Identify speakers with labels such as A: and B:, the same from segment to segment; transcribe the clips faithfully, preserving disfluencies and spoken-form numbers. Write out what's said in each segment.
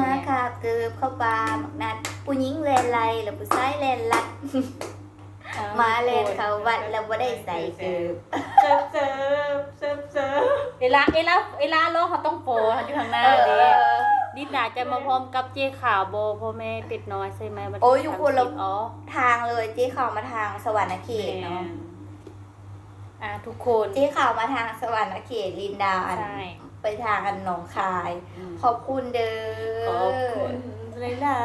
A: มาคาเกือบเข้าปาหมักนัดผู้หญิงแลนไลแล้วผู้ชายแลนลัดมาแลนเขาวัดแล้วบ่ได้ใส่เกือบ
B: เซิร์ฟเซิร์ฟเซิร์ฟเซิร์ฟ
C: เวลาเวลาเวลาโลกเขาต้องโฟอยู่ข้างหน้า
A: เอ
C: เด้
A: อ
C: ดิดาจะมาพร้อมกับเจ๊ขาวโบพ่อแม่เป็ดน้อยใช่ไหมวันที่
A: โอ้ยอยู่คนละ
C: สามสิบอ๋อ
A: ทางเลยเจ๊ข่าวมาทางสวรรค์เขตเนาะ
C: อ่ะทุกคน
A: เจ๊ข่าวมาทางสวรรค์เขตลินดาอัน
C: ใช่
A: ไปทางอันหนองคาย ขอบคุณเด้อ
B: ขอบคุณหลาย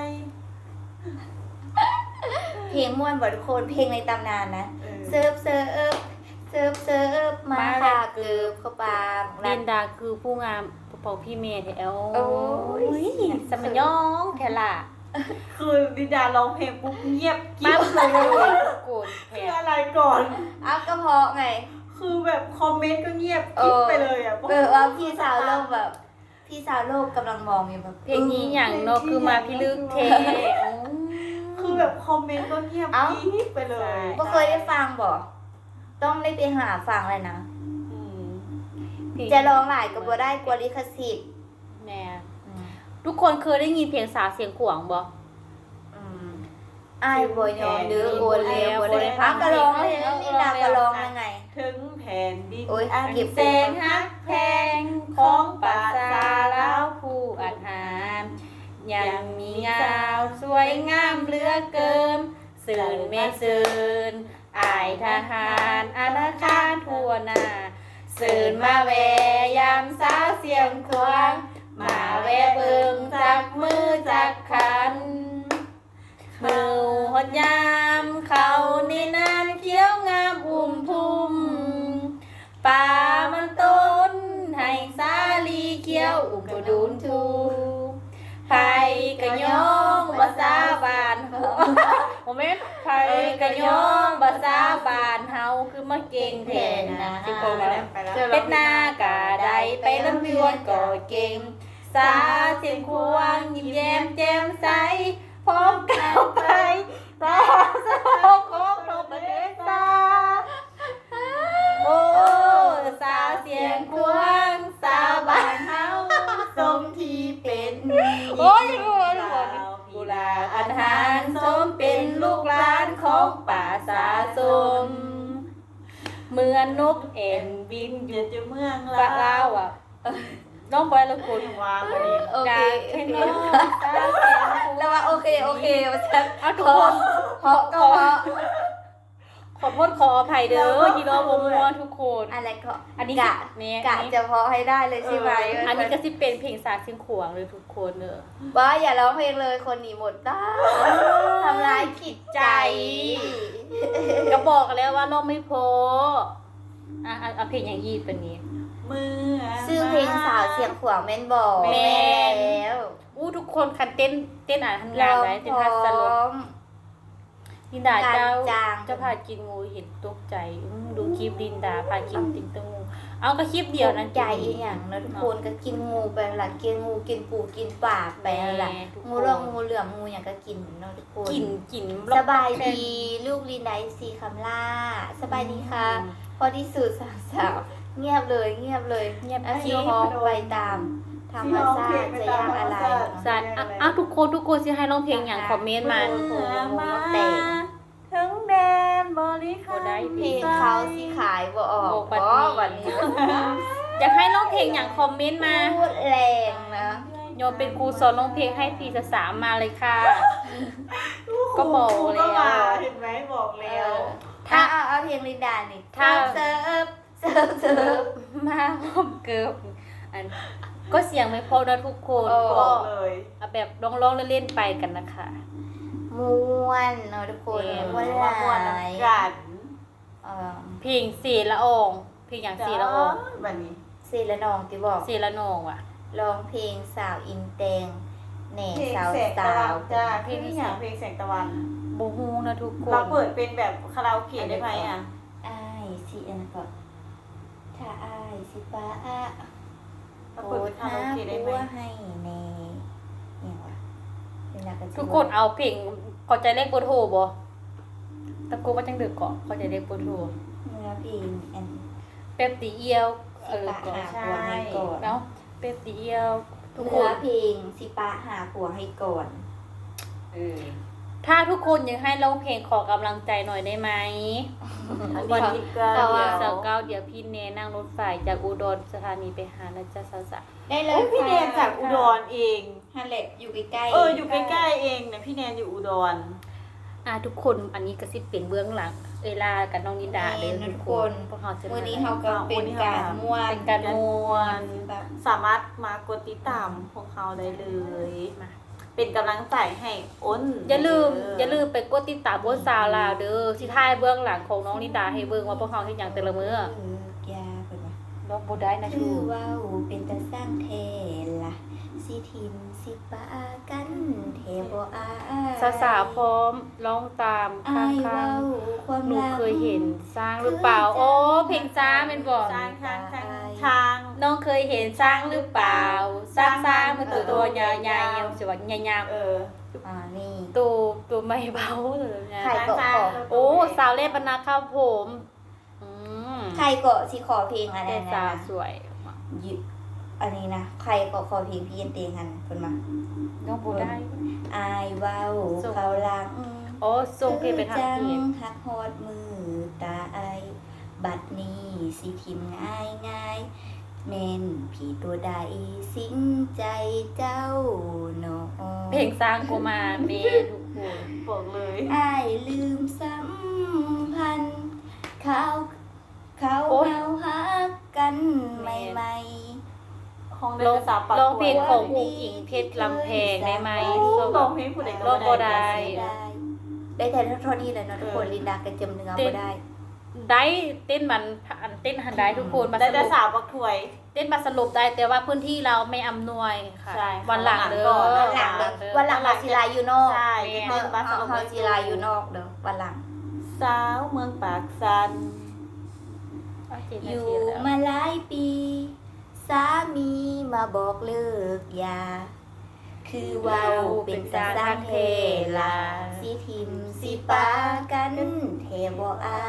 A: เพลงม่วนบ่ทุกคนเพลงในตำนานนะ
B: ๆ
A: เซิร์ฟเซิร์ฟเซิร์ฟเซิร์ฟมาค่ะเกือบเข้าปาหมักนั
C: ลิ
A: ด
C: นดาคือผู้งามผู้เป่าพี่เมย์แถว
A: โอ้ย
C: สมัยย่องแถล่ะ
B: คือดิดาร้องเพลงปุ๊บเงียบ
C: มา
B: กิ๊บ
C: เล
B: เลย
C: ยโกรธแผ
B: คือ
C: ล
B: อะไรก่อน
A: เอากระเพาะไง
B: คือแบบคอมเมนต์ก็เงียบกิ๊บไปเลยอ่ะ
A: เออว่าพี่สาวโลกแบบ พี่สาวโลกกำลังมองอยู่แบบ
C: เพลงนี้อย่างเนกคือมาพี่ลึกเท
B: คือแบบคอมเมนต์ก็เงียบกิ๊บไปเลย
A: บ่เคยได้ฟังบ่ต้องได้ไปหาฟังเลยนะ
B: อืม
A: จะร้องหลายก็บ่ได้กลัวลิขสิทธิ์
C: แน่ทุกคนเคยได้ยินเพลงสาวเสียงขวางบ่
A: อืมอ้ายบ่ยอมเด้อโอนแล้วบ่ได้พักก็ร้องเลยนะนี่ดาก็ร้องยังไง
B: ถึงแผ่นดิน
A: โอ้ย
B: อัน
A: เก็บ
B: แสนฮักแพงของป่าซาลาว
C: ผู้อาหารยังมีงามสวยงามเหลือเกินสื่นเมสื่นอายทหารอาณาคารทั่วหน้าสื่นมาแวะยามสาวเสียงควางมาแวะเบิ่งจากมือจากขันมือหดยามเขาในนานเขียวงามอุ่มทุ่มป่ามันต้นให้สาลีเขียวอุ่มกระดูนทูไผกะยองภาษาบ้านเฮาโมเมนต์ไผกะยองภาษาบ้านเฮาคือมาเก่งแทนนะสิโกมาแล้ว
B: ไปแล้ว
C: เป็ดนากะไดไปลำเลือนก็เก่งสาเสียงควงยิ้มแย้มแจ่มใสพร้อมก้าวไปตาสาวของโลกประเทศตาโอ้สาวเสียงควงสาวบ้านเฮา
A: สมที่เป็น
C: โอ้ยโอ้ยโอ้ยกุลาอันหารสมเป็นลูกหลานของป่าสาสมเหมือนนกเอ็นบินอ
B: เดี๋ย
C: ยู่
B: วจะเมือง
C: ปะลาวอ่ะน้องบอยละคุณ
B: วางมาเนี่ย
A: โอเค
C: จากแค่น้องสาวเสียงควง
A: แล้วว่าโอเคโอเคว่าฉัน
C: เอาทุกคน
A: เพราะก็เพราะ
C: ขอโทษขออภัยเด้อยีโร่วงมัวทุกคน
A: อะไรก็
C: อันนี้
A: กะ
C: เนี่ย
A: กะจะเพาะให้ได้เลยใช่ไหม
C: อันนี้ก็สิเป็นเพลงสากเสียงขวางเลยทุกคนเนอะ
A: ว่าอย่าร้องเพลงเลยคนหนีหมดตาทำร้ายจิตใจ
C: ก็บอกกันแล้วว่าเราไม่โพอ่ะอ่ะเอาเพลงอย่างยีดเป็นนี้
B: เมื่อ
A: ชื่อเพลงสาวเสียงขวางแม่นบอก
C: แม่น
A: แล้ว
C: อู้ทุกคนคันเต้นเต้นอ่านทำงาน
A: ร้อง
C: ไว้เต้น
A: พร้
C: ทัศ
A: อ
C: ลบ
A: ม
C: ลินดาเจ้า
A: การจาง
C: เจ้าพากินงูเห็นตกใจอื้อดูคลิปลินดาพากินติงตงงูเอาก็คลิปเดียวนั้น
A: ใจอีหยังนะทุกคนก็กินงูไปหลักกินงูกินปูกินป่าไปหลักงูเรื่องงูเหลือมงูอย่างก็กินเนาะทุกคน
C: กินกิน
A: สบายดีลูกลินไดซีคำล่าสบายดีค่ะ พอที่สุดสาวสาวเงียบเลยเงียบเลย
C: เงียบ
A: อา
C: ชี
A: ชีพฮอกไปตามธรรมชาติจะยากอะไร
C: สัตว์อ่ะอ่ะทุกคนทุกคนสิให้ร้องเพลงอย่างคอมเมนต์มา
B: เมื่อมา
A: แต่
B: ถึงแดนบริคาร
C: บ่ได้
A: เพลงเขาสิขายบ่ออก
C: โอ้ปัด
A: อ๋อ
C: นี้
A: วันนี้
C: อยากให้ร้องเพลงอย่างคอมเมนต์มา
A: พูดแรงนะ
C: โยมเป็นครูสอนร้องเพลงให้พี่สามมาเลยค่ะ ก็บอกแล้ว
B: ก็มาเห็นไหมบอกแล้ว
A: ถ้าเอาเอาเพลงลินดานี่
C: ถ้า
A: เซิร์ฟเซิร์ฟเซิร์ฟ
C: มาผมเกิบอันก็เสียงไม่พอนะทุกคน
A: โอ้
B: บ
C: ก็
B: อกเลย
C: เอาแบบร้องๆเล่นๆไปกันนะคะ
A: ม้วนเนาะทุกคน
C: เพลง
A: ม้วน
B: ว่า
A: ห
B: ม่วน
A: ลาย
B: กัน
A: เออ
C: เพลงเสียละอองเพลงอย่างเสียละออง
B: แบบนี้
A: เซละนองที่บอก
C: เสียละนองว่ะ
A: ร้องเพลงสาวอินแตงแหน่
B: เพลง
A: สาว
B: แสงตะ
A: สา
B: วั
A: วน
B: จ้าเพลงที่อย่างเพลงแสงตะวัน
C: โบฮูนะทุกคน
B: เราเปิดเป็นแบบคาราโอเกะได้ไหมอ่ะ
A: อ้ายสิอันนั้นก็ถ้าอ้ายสิป้าอะ
B: เรา
A: โป
B: เปิด
A: ร
B: เป็
A: ด
B: นคา
A: หา
B: ราโอเกะได้ไหม
A: ผัวให้แน่เนี่ยวะเป็นนักการ
C: ทุกคนเอาเพลงเข้าใจเลขโบโทรบ่ตะโกว่าจังเดือเกาะเข้าใจเลขโบโทร
A: เนื้อเพลงอัน
C: เป๊ปตีเอียวเออ
A: ปะ
C: ก่อน
A: หาผัวให้ก่อน
C: เนาะเป๊ปตีเอียวทุก
A: เนื้
C: ค
A: อน เพลงสิปะหาผัวให้ก่อน
B: เออ
C: ถ้าทุกคนยังให้ร้องเพลงขอกำลังใจหน่อยได้ไหม
B: วันที่เก้า
C: เสาร์
B: เดียว
C: เสาร์เก้าเดี๋ยวพี่เนนั่งรถไฟจากอุดรสถานีไปหานะจ๊ะสาวสาว
A: ได้เล
B: โอ้
A: ย
B: ยพี่แนนจากอุดรเอง
A: ฮันเล็ตอยู่ใกล้ๆ
B: เอออยู่ใกล้ๆเองเนี่ยพี่แนนอยู่อุดร
C: อ่ะทุกคนอันนี้ก็สิเป็นเบื้องหลังเวลากับน้องนิดาเลยทุกคนพวกเราจะ
A: วันนี้เขาก็เป็นการม่วน
C: เป็นการมวน
A: แบบ
B: สามารถมากดติดตามของเขาได้เลย
C: มา
B: เป็นกำลังใจให้อ้น
C: อย่าลืมอย่าลืมไปกดติดตามบนสาวลาวเด้อสิท้ายเบื้องหลังของน้องนิดาให้เบิ่งว่าพวกเขาเฮ็ดหยังแต่ละมื้อ
A: เออยาเพิ่นว่า
C: ร้องบ่ได้นะชู
A: คือว่าวเป็นตาสร้างเทล่ะสิทิมสิปะกันเทบ่อา
C: สาวสาวๆพร้อมร้องตามข้า
A: อาย
C: ง
A: เว้าความ
C: ๆหนู
A: ลับ
C: เคยเห็นสร้างหรือเปล่าโอ้เพลงช้างเป็นบ่
B: ช้างช้างช้างช้าง
C: น้องเคยเห็นช้างหรือเปล่าสร้างสร้างมันตัวตัวใหญ่ๆยังสวยใหญ่
B: เออ
A: อ่านี่
C: ๆตัวตัวไม่เบาเลยนะ
A: ใครเกาะขอ
C: โอ้สาวเล่บรรณาครับผมอืม
A: ใครเกาะสิขอเพลงอะไร
C: แต่
A: นะ
C: สาวสวย
A: ยึอันนี้นะใครเกาะขอเพลงพี่เอ็นเตงหันเพิ่นมา
C: น้องบ่ได้
A: อายเว้า
C: ส่ง
A: เขาหลัง
C: โอ้ส่งเพลงไปทาง
A: จั
C: เพจ
A: หักฮอดมือตาไอายบัดนี้สิทิมง่ายง่ายๆแม่นผีตัวใดสิงใจเจ้าหนอ
C: เพลงสร้างกูมาเมทุกคน
B: บอกเลย
A: อายลืมสัมพันธ์เขาเขาเฮาฮักกันใหม่ๆ
B: ของ
C: ร้
B: เดิ
C: อง
B: นสาวปาก
C: ร้องเพลงของ
B: ก
C: อุ๋งอิงเพชรลำแพงได้ไหม
B: ร้องเพลงผู้ใดก็
C: ร้องบ่ได้
A: ได้แต่เท่านี้แหละเนาะทุกคนลินดาก็จำเนื้อบ่ได้
C: ได้เต้นมันอันเต้นหันได้ทุกคนมา
B: ได้
C: ส
B: แต่
C: รุป
B: สาวปักถวย
C: เต้นมาสรุปได้แต่ว่าพื้นที่เราไม่อำนวยค่ะ
B: ใช่
C: วันหลังเด้อ
B: วัน
A: หลัง
B: เด้
A: เด้อวันหลังเฮาสิลายอยู่นอก
B: ใช่
A: เฮา
B: เต้นมาส
A: เฮา
B: รุป
A: เฮาสิลายอยู่นอกเด้อวันหลัง
B: สาวเมืองปากสัน
C: เอาเจ็ด
A: อ
C: นา
A: ยู่
C: ทีแล้ว
A: มาหลายปี สามีมาบอกเลิกยา คือเว้าเป็นตาสร้างเทลาสิทิมสิปากันเทบ่อาย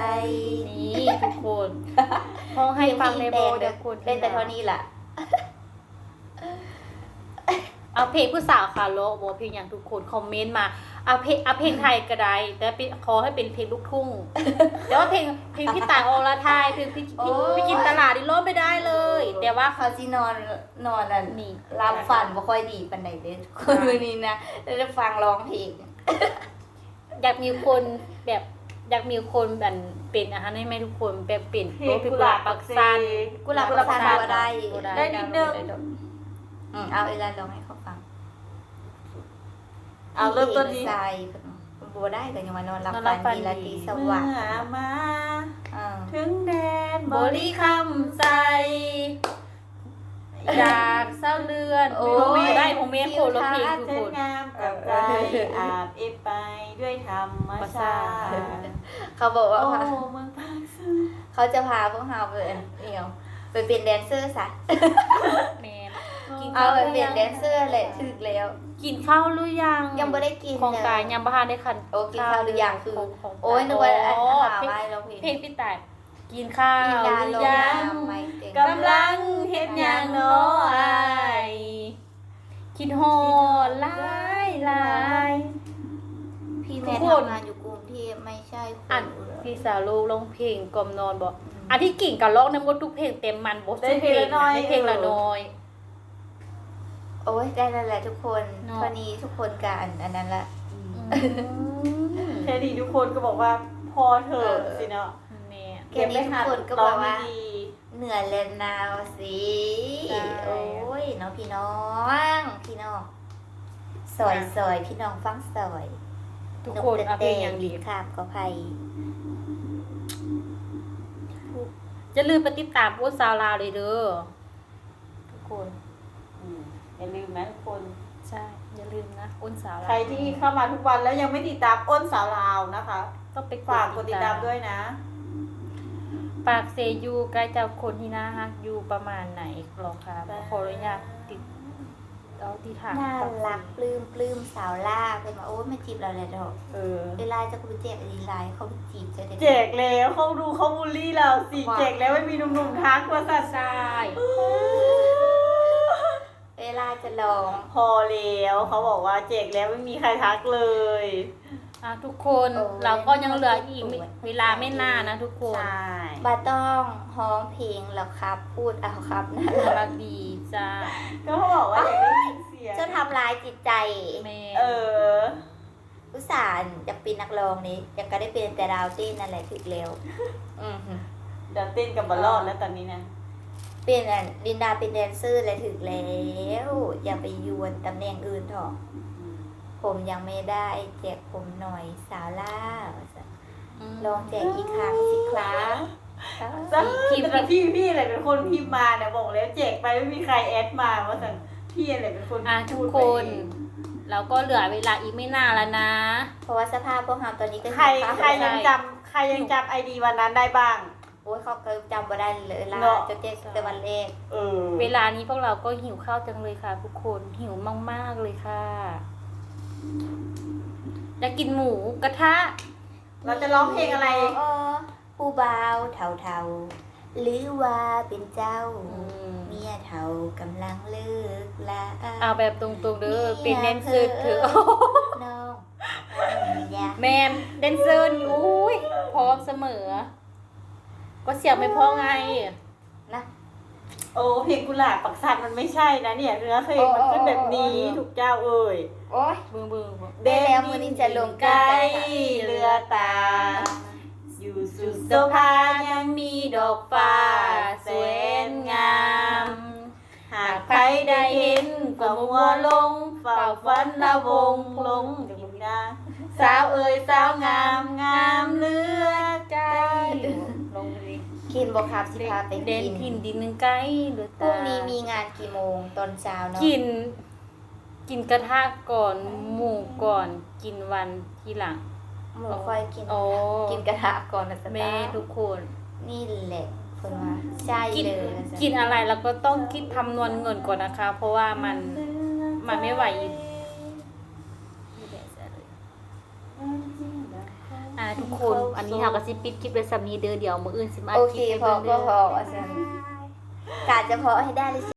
C: นี่ทุกคนห้องให้ฟังในโบเดี๋ยวคุณ
A: เล่นแต่เท่านี้ล่ะ
C: เอาเพลงผู้สาวคาโลโบเพลงอย่างทุกคนคอมเมนต์มาเอาเพลงเอาเพลงไทยก็ได้แต่เป็นขอให้เป็นเพลงลูกทุ่งแต่ว่าเพลงเพลงพี่ต่างอรไทยเพลงพี่พี่
A: โอ้ย
C: พี่กินตลาดนี่ร้องไม่ได้เลย แต่ว่า
A: เขาสินอนนอนอ่ะ
C: นี่
A: รับฝันบ่ค่อยดีปานใดเด้อคนมื้อนี้นะแล้วจะฟังร้องเพลง
C: อยากมีคนแบบอยากมีคนแบบเป็นอาหารให้แม่ทุกคนแบบเป็น
B: เพลง
C: กุหลาบปักซัน
A: กุหลาบปักซันบ่ได้
B: ได้นิดนึง
A: อืมเอาเวลาร้องให้เขาฟัง
B: เอาเริ่มต้นนี้
A: ใส่บ่ได้ก็ยังมานอนรับฝันดีราตรีส
B: เมื่
A: วัสดิ์
B: อมา
A: อ่า
B: ถึงแดน
C: บริคำใจอยากเศร้าเลือน
A: โอ้
C: ผม
A: ย
C: ได้ผมเมนโคโลเพลงทุก
B: เส้น
C: คน
B: งามกับใจอาบเอฟไปด้วยธรรมชาติ
A: เขาบอกว่า
B: โอ้เมืองปากสัน
A: เขาจะพาพวกเราไปเอี่ยวไปเป็นแดนเซอร์ซะ
C: แมนกิน
A: เอา
C: ข้าว
A: ไป
C: หรือ
A: เป็น
C: ยัง
A: แดนเซอร์แหละถึกแล้ว
C: กินข้าวหรือยัง
A: ยังไม่ได้กิน
C: ของ
A: เลย
C: กายยังบ้านได้คัน
A: โอ้กินข้าวหรือยังคือ
C: ของของ
A: โอ้ยนึกว่าอัน
C: โอ้
A: หา
C: เพลง
A: ไว้เราเพลง
C: เพลงพี่ต่ายกินข้าว
A: กิน
C: ห
A: ดา
C: รื
A: ล
C: อง ยัง
A: น้ำไม่เก่ง
C: กำลังเฮ็ดหยังเนาะอายคิดฮอดหลายหลาย
A: พี่แม่
C: ทุกคน
A: ทำงานอยู่กรุงเทพไม่ใช่ค
C: อั
A: น
C: น
A: อุดร
C: พี่สาวลูกร้องเพลงกล่อมนอนบอกอันที่กิ่งกับร้องน้ำมดทุกเพลงเต็มมันบท
B: ได้เพลงละน้อย
C: ได้เพลงละน้อย
A: โอ้ยได้แล้วแหละทุกคน
C: เนอะ
A: ตอนนี้ทุกคนกับอันอันนั้นละ
B: แค่นี้ทุกคนก็บอกว่าพอเถอะสิเนาะ
C: แม่
A: แค่นี้ทุกคนก็บอกว่า
B: ร้งไม่ดี
A: เหนื่อยแล้วนาวสิ
C: ใช่
A: โอ้ยน้องพี่น้องพี่น้องซอยซอยพี่น้องฟังซอย
C: ทุกคนเอาเพลงอย่างดี
A: ข้ามก็ไพ่
C: จะลืมไปติดตามพวกสาวลาวเลยเด้อทุกคน
B: อืมอย่าลืมนะทุกคน
C: ใช่อย่าลืมนะอ้นสาวลาว
B: ใครที่เข้ามาทุกวันแล้วยังไม่ติดตามอ้นสาวลาวนะคะ
C: ก็ไป
B: ฝากกดติดตามด้วยนะ
C: ปากเซยูใกล้จะคนที่น่าฮักอยู่ประมาณไหนหรอคะขออนุญาตติดเอาที่ถาม
A: น่ารักปลื้มปลื้มสาวล่าเป็นมาโอ้ยมาจีบเราเลยดอก
B: เออ
A: เวลาจะกูไปแจกอีไลน์เขาไปจีบจะได้
B: แจกแล้วเขาดูเขาบูลลี่เราสิแจกแล้วไม่มีหนุ่มๆทักว่าสัตว์
C: ใช่
A: เวลจะลอง
B: พอแล้วเขาบอกว่าแจกแล้วไม่มีใครทักเลย
C: อ่ะทุกคนเราก็ยังเหลืออีกไม่เวลาไม่นานนะทุกคน
B: ใช่
A: บาต้องฮ้องเพลงแล้วครับ พูดเอาครับนะ
C: น่ารักดีจ้า
B: ก็เขาบอกว่าอยากได้ยินเสียง
A: เจ้าทำร้ายจิตใจ
C: แม่
B: เออ
A: อุตส่าห์จะเป็นนักร้องนี้ยังก็ได้เป็นแต่ดาวเต้นนั่นแหละถึกแล้วอือหือ
B: เดี๋ยวเต้นกับบอลลอดแล้วตอนนี้นะ
A: เป็นอันลินดาเป็นแดนเซอร์เลยถึกแล้ว อย่าไปยวนตำแหน่งอื่นเถอะผมยังไม่ได้แจกผมหน่อยสาวล่าลองแจกอีกครั้งสิครับ
B: จ้าพี่พี่พี่อะไรเป็นคนพิมพ์มาเนี่ยบอกแล้วแจกไปไม่มีใครแอดมาว่าสั่งพี่อะไรเป็นคน
C: อ่ะทุ
B: พู
C: ก
B: ด
C: ค
B: ไป
C: น
B: เอง
C: เราก็เหลือเวลาอีกไม่นานแล้วนะ
A: เพราะว่าสภาพพวกเราตอนนี้ก็
B: ใคร
A: หิวข้าว
B: ใครยังจำใครยังจำไอดีวันนั้นได้บ้าง
A: โอ้ยเขาก็จำบ่ได้เลยล่ะ
B: เนอะ
A: จะแจกแต่วันแรก
B: เออ
C: เวลานี้พวกเราก็หิวข้าวจังเลยค่ะ ทุกคนหิวมากๆเลยค่ะอยากกินหมูกระทะ
B: เราจะร้องเพลงอะไร
A: ผู้บ่าวเท่าๆหรือว่าเป็นเจ้า
C: อืม
A: เมียเท่ากำลังเลิกลา
C: เอาแบบตรงๆเด้อเป็นแดนเซอร์เถอะ
A: น้องอย่า
C: แมนแดนเซอร์นี่อุ้ยพร้อมเสมอ ก็เสียงไม่พอไง
A: นะ
B: โอ้เพลงกุหลาบปักสัตว์มันไม่ใช่นะเนี่ยเนื้อเพลงมันเป็นแบบนี้
A: โอ้โอ้โอ้
B: ถูกเจ้าเอ่ย
A: โอ้ย
C: บึ้งบึ้ง
A: ได้แล้วมื้อนี้จะลง
B: ใก
A: กัน
B: ล้
A: ค่ะ
B: เรือตา อยู่สุดโซภายังมีดอกฟ้าแสนงาม หากใครได้เห็นก็มัวลงเฝ้าฝันละวงลงอยู่นะสาวเอ่ยสาวงามงามเลือใจ
C: ลงเลย
A: กินบ่ครับสิพาไป
C: เด่น
A: กิน
C: ถิ่นดินหนึ่งไกลหรือ
A: พรุ่งนี้มีงานกี่โมงตอนเช้าเนาะ
C: กิน กินกระทะก่อนหมูก่อน กินวันทีหลัง
A: หมูค่อยกิน
C: โอ้
A: กินกระทะก่อนนะส
C: แม่
A: ตาร์
C: ทุกคน
A: นี่แหละคนว่าใช่
C: กิน
A: เลยนะจ๊ะ
C: กินอะไรแล้วก็ต้องคิดคำนวณเงินก่อนนะคะ เพราะว่ามันมันไม่ไหวอ่าทุกคน อันนี้เราก็สิปิดคลิปไว้สำนี้เด้อเดี๋ยวมื้ออื่นสิมา
A: โอ
C: ค
A: เค
C: ลิปให้
A: พอ
C: เบิ่ง
A: ก็
C: เด้อ
A: พออาจารย์กาจะพอให้ได้เลย